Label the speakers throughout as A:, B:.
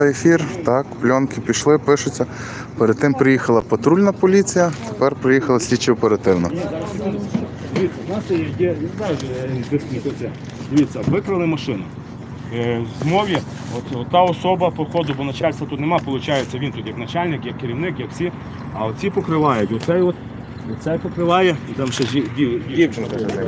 A: Ефір, так, пленки пішли, пишуться. Перед тим приїхала патрульна поліція, тепер приїхала слідчо-оперативна.
B: Дивіться, у нас є, не знаю, дивіться, викрали машину. В змові, от та особа, походу, бо начальства тут нема, виходить, він тут як начальник, як керівник, як всі, а оці покривають. Оцей покриває, і там ще дівчина.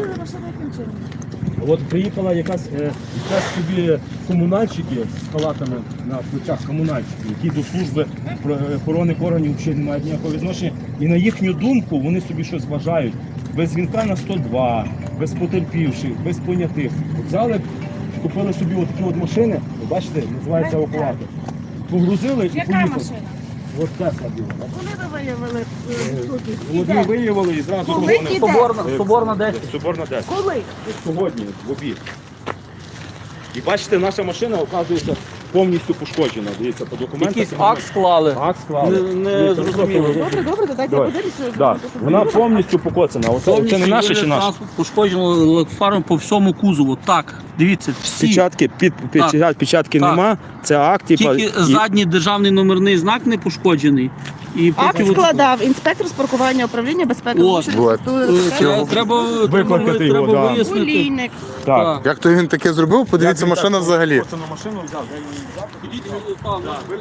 B: От приїхала якась собі комунальщики з халатами на плечах, комунальщики, які до служби охорони органів взагалі не мають ніякого відношення. І на їхню думку вони собі щось вважають. Без дзвінка на 102, без потерпівших, без понятих. От взяли, купили собі такі от машини, бачите, називається евакуатор. Погрузили і поїхали.
C: Яка машина?
B: От Тесла біла.
C: Коли ви виявили
B: От ми виявили і зразу
C: Коли
B: вони-
C: іде?
D: Соборна 10.
B: Соборна 10.
C: Коли?
B: Сьогодні, в обід. І бачите, наша машина, оказується, повністю пошкоджена. Дивіться, по документах.
D: Якийсь акт склали.
B: Акт склали.
D: Не зрозуміло.
C: Добре, то дайте я подивлюся.
B: Да. Вона повністю покоцана. Це не наше чи наше?
D: Транспорт пошкоджено фаром по всьому кузову. Так, дивіться, всі.
B: Печатки, печатки
D: Так.
B: нема, це акт.
D: Тільки задній державний номерний знак не пошкоджений. І
C: Акт
D: поки
C: складав інспектор з паркування управління безпеки.
D: От. треба
B: Викликати його, да.
D: вияснити.
C: Олійник.
B: Так.
A: Як то він таке зробив? Подивіться, машина взагалі.
B: Це на машину взяв, де він взяв.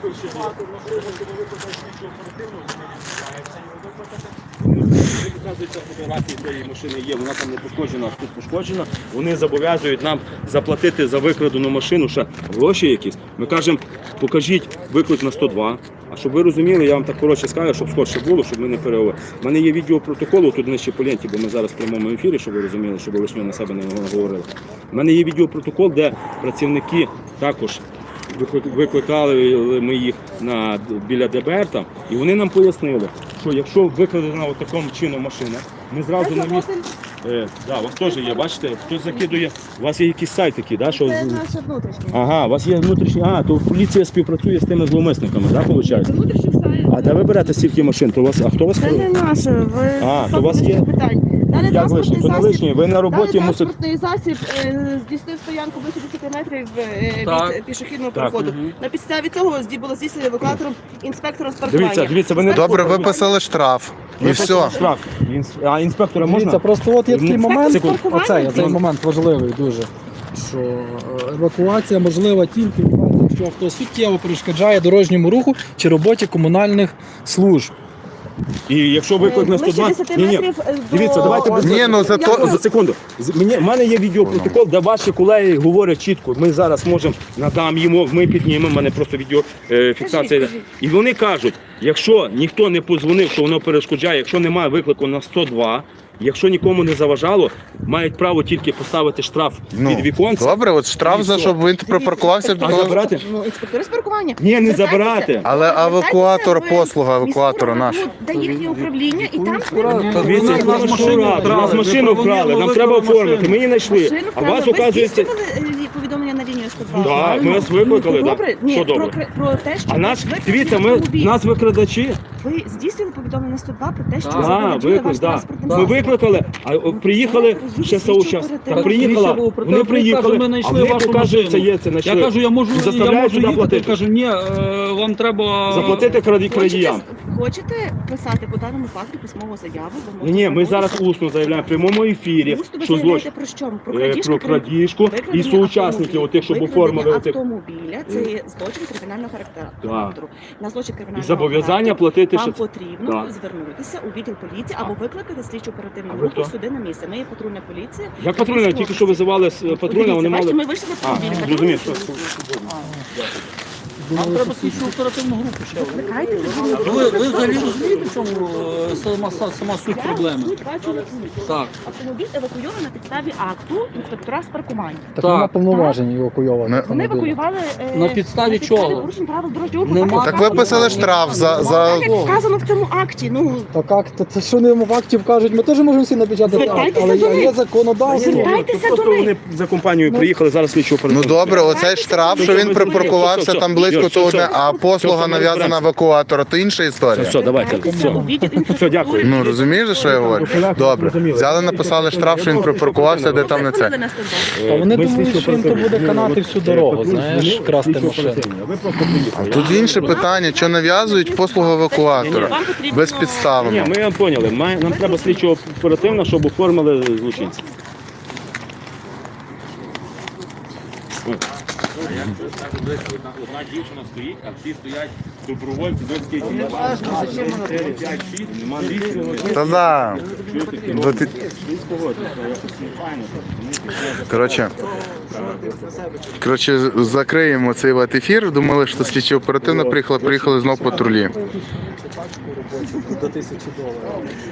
B: Показується фотографії цієї машини є, вона там не пошкоджена, а тут пошкоджена. Вони зобов'язують нам заплатити за викрадену машину ще гроші якісь. Ми кажемо, покажіть виклик на 102. А щоб ви розуміли, я вам так коротше скажу, щоб скорше було, щоб ми не переговорили. У мене є відеопротокол, тут нижче по ленті, бо ми зараз в прямому ефірі, щоб ви розуміли, щоб ви лишнього на себе не говорили. У мене є відеопротокол, де працівники також викликали ми їх біля ДБР там, і вони нам пояснили, що якщо викрадена таким чином машина, ми зразу на місці. Да, у вас теж є, бачите, хтось закидує, у вас є якийсь сайт такий, да, що...
C: Це наше внутрішнє.
B: Ага, у вас є внутрішні, то поліція співпрацює з тими зловмисниками, да, виходить?
C: Це внутрішній сайт.
B: А де ви берете стільки машин? То у вас, а хто вас?
C: Це не наше. Ви
B: то у вас є?
C: питань. Далі
B: Як лишні? То не лишні, ви на роботі
C: Далі
B: мусите...
C: транспортний засіб здійснив стоянку близько 10 метрів
D: Так.
C: від пішохідного переходу. На підставі цього було здійснено евакуатором інспектора з паркування.
B: Дивіться, ви не...
A: Добре, виписали штраф. І все.
B: Штраф. А інспектора можна?
E: Дивіться, просто от є такий момент,
C: Секунд.
E: оцей момент важливий дуже, що евакуація можлива тільки в разі, якщо хтось суттєво перешкоджає дорожньому руху чи роботі комунальних служб.
B: І якщо виклик на
C: Ближче
B: 102...
C: 10 метрів до...
B: Дивіться, давайте без...
A: Ні, ну зато...
B: За секунду. У мене є відеопротокол, де ваші колеги говорять чітко, ми зараз можемо, надам йому, ми піднімемо, в мене просто відеофіксація.
C: Кажіть.
B: І вони кажуть, якщо ніхто не подзвонив, що воно перешкоджає, якщо немає виклику на 102, якщо нікому не заважало, мають право тільки поставити штраф під віконце.
A: Добре, от штраф за щоб він припаркувався.
B: А забирати?
C: Ну, інспектори з паркування.
B: Ні, не
C: Звертайтеся.
B: забирати.
A: Але евакуатор,
C: Звертайтеся в
A: послуга евакуатора
C: міську
A: наша.
C: раду, де їхнє управління, і там
B: Дивіться,
D: У нас
B: машину вкрали, нам треба оформити, ми її знайшли.
C: машину
B: А вас,
C: вкрали. Ви
B: оказується...
C: здійснювали повідомлення на лінію 102?
B: Так, ми вас викликали, так?
C: Добре? Ні,
B: Що добре?
C: про те, що
B: А нас,
C: ви
B: дивіться,
C: автомобіль.
B: нас викрадачі.
C: Ви здійснювали повідомлення на 102 про те, що
B: Так,
C: заволоділи
B: виклик,
C: ваш
B: да.
C: транспортним
B: Ми
C: засобом.
B: викликали, а приїхали ще соучас.
C: Так,
B: Приїхала,
D: Ріша був,
B: вони приїхали,
D: ми
B: а
D: знайшли
B: вони
D: вашу
B: показують, це
D: машину.
B: є, це знайшли.
D: Я кажу, я можу
B: Заставляють сюди
D: їхати.
B: платити.
D: Кажу, ні, вам треба...
B: Заплатити крадіям.
C: Хочете писати по даному факту письмову заяву? Ви можете
B: Ні, ми
C: звернутися.
B: зараз усно заявляємо в прямому ефірі,
C: Усно ви
B: що
C: заявляєте
B: злочин.
C: про що?
B: Про крадіжку і
C: викрадення
B: соучасників, отих, щоб
C: викрадення
B: оформили. отих.
C: автомобіля, це є злочин кримінального характеру. На злочин
B: І
C: кримінального
B: зобов'язання
C: характеру
B: платити
C: вам
B: ще.
C: потрібно
B: Так.
C: звернутися у відділ поліції або викликати слідчу оперативну
B: А ви
C: групу
B: хто?
C: сюди на місце. Ми є патрульна поліція.
B: Як патрульна, тільки що визивали патрульна, вони
C: Бачите,
B: мали...
C: ми вийшли на
B: А,
C: автомобіль.
B: зрозумів, що.
D: Нам треба слідчу оперативну групу ще.
C: Викликайте.
D: Ви взагалі розумієте, в чому сама суть проблеми? Так.
C: Автомобіль евакуйований на підставі акту інспектора з паркування.
E: Так нема повноважень евакуйованих
A: Ми-
C: Вони
E: автомобіля.
C: евакуювали
D: На підставі чого?
C: порушень правил дорожнього руху.
D: Нема.
A: Так виписали штраф за...
C: Так, як вказано в цьому акті. Ну,
E: Так як, це що не в акті вкажуть, ми теж можемо всі напечатати акт,
C: Звертайтеся
E: але
C: до них.
E: є законодавство.
C: Звертайтеся
B: Просто
C: до них.
B: вони за компанією приїхали, зараз слідчу
A: Ну
B: оперативну.
A: добре, оцей штраф, що він припаркувався там близько то
B: все,
A: одне,
B: все.
A: а послуга
B: Все,
A: нав'язана
B: все.
A: евакуатора, то інша історія.
B: Все, давайте. Все, дякую.
A: Ну розумієш, що я говорю? Добре. Взяли, написали штраф, що він припаркувався, де там не це.
E: А вони думають, що їм то буде канати всю дорогу, знаєш, красти машину.
A: Тут інше питання, що нав'язують послугу евакуатора
C: Вам потрібно-
B: Ні,
A: безпідставно.
B: ми поняли. Нам треба слідчо оперативно, щоб оформили злочинця. Одна дівчина стоїть, а всі стоять добровольці, нема
A: Та-да. Коротше, закриємо цей ват ефір. Думали, що слідчі оперативно приїхали знов патрулі.
E: До $1000.